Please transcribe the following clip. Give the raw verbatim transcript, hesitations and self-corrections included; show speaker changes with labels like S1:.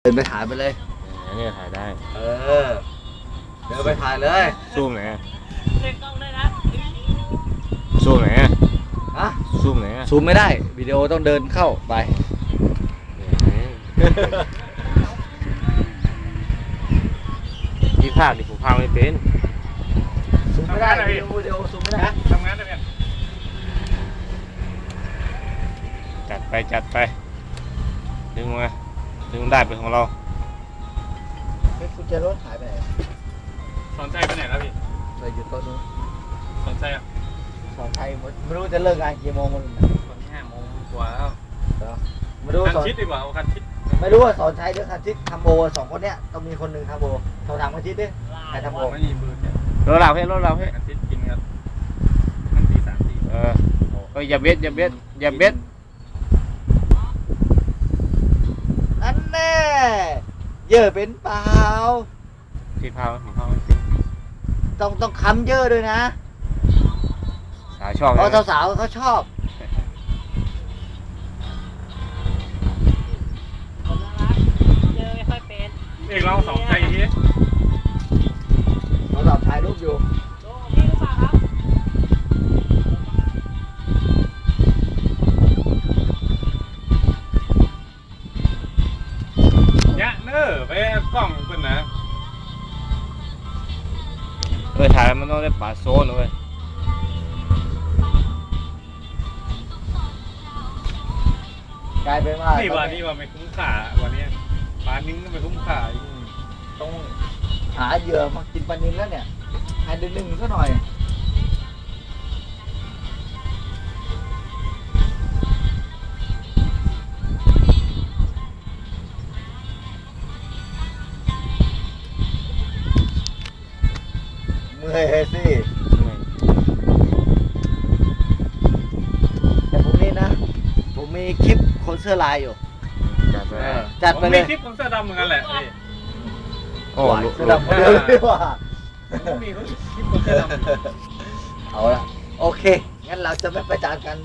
S1: เดินไปถ่ายไปเลย
S2: เนี่ยถ่ายได้
S1: เออเดินไปถ่ายเลย
S2: ซูมไหน
S3: เล่นกล้องได้นะ
S2: ซูมไหน
S1: ฮะ
S2: ซูมไหน
S1: ซูมไม่ได้วิดีโอต้องเดินเข้าไป
S2: พี่ภาคดิผมภาคไม่เป็น
S1: ซูมไม่ได้วิดีโอซูมไม่ได้
S3: ทำงานได้ไหม
S2: จัดไปจัดไปดึงมาดึงได้เป็นของเรา
S1: กุญแจรถหายไปไหน
S3: สอนใจไปไหนแล้วพี่
S1: ไปอยู่โต๊ะนู้น
S3: สอนใจอ่ะ
S1: สอนชัยไม่รู้จะเลิกงานกี่โมงมัน
S3: ตอนห้าโมงกว่าแล้ว
S1: ไม่รู้
S3: คันชิดดีกว่าคันชิด
S1: ไม่รู้ว่าสอนชัยหรือคันชิดทำโบสองคนเนี้ยต้องมีคนหนึ่งทำโบโทรถามคันชิดดิใครทำโบ
S3: ไม่มีมือเนี่ย
S2: รถเราเพ่รถเราเพ่
S3: คันชิดกินกันมันตีสามตี
S2: เออเอออย่าเบ็ดอย่าเบ็ดอย่าเบ็ด
S1: อันแน่เยอะเป็นเปล่า
S2: พี่ภาคผมภาคไม่เป็น
S1: ต้องต้องค้ำเยอะด้วยนะ
S2: สาวชอบ
S1: เพราะสาวๆเขาชอบ
S3: เจอไม่ค่อยเป็นเอกลองสองใจที
S1: เราสับถ่ายรูปอยู่
S3: พี่รู้ป่ะครับยะเนอไปกล้องเป็นนะ
S2: เออถ่ายมันต้องได้ป่าโซนเลย
S1: กลายเป็นว่า
S3: นี่วันนี้ว่าไม่คุ้มค่าวันนี้ปลานิ้งก็ไม่คุ้มค่า
S1: ต้องหาเหยื่อมากินปลานิลแล้วเนี่ยให้ดึงดึงซะหน่อยเมื่อยสิแต่พรุ่งนี้นะผมมีคลิปคนเสื้อลายอยู่
S2: จัดไป
S1: จัดไปเลย
S3: มีคลิปของเสื้อดำเหมือนกันแหละพี่
S2: โอ้
S1: เสื้อดำเดียวดีกว่า
S3: มีคลิปของเสื้อดำ
S1: เอาละโอเคงั้นเราจะไม่ประจานกัน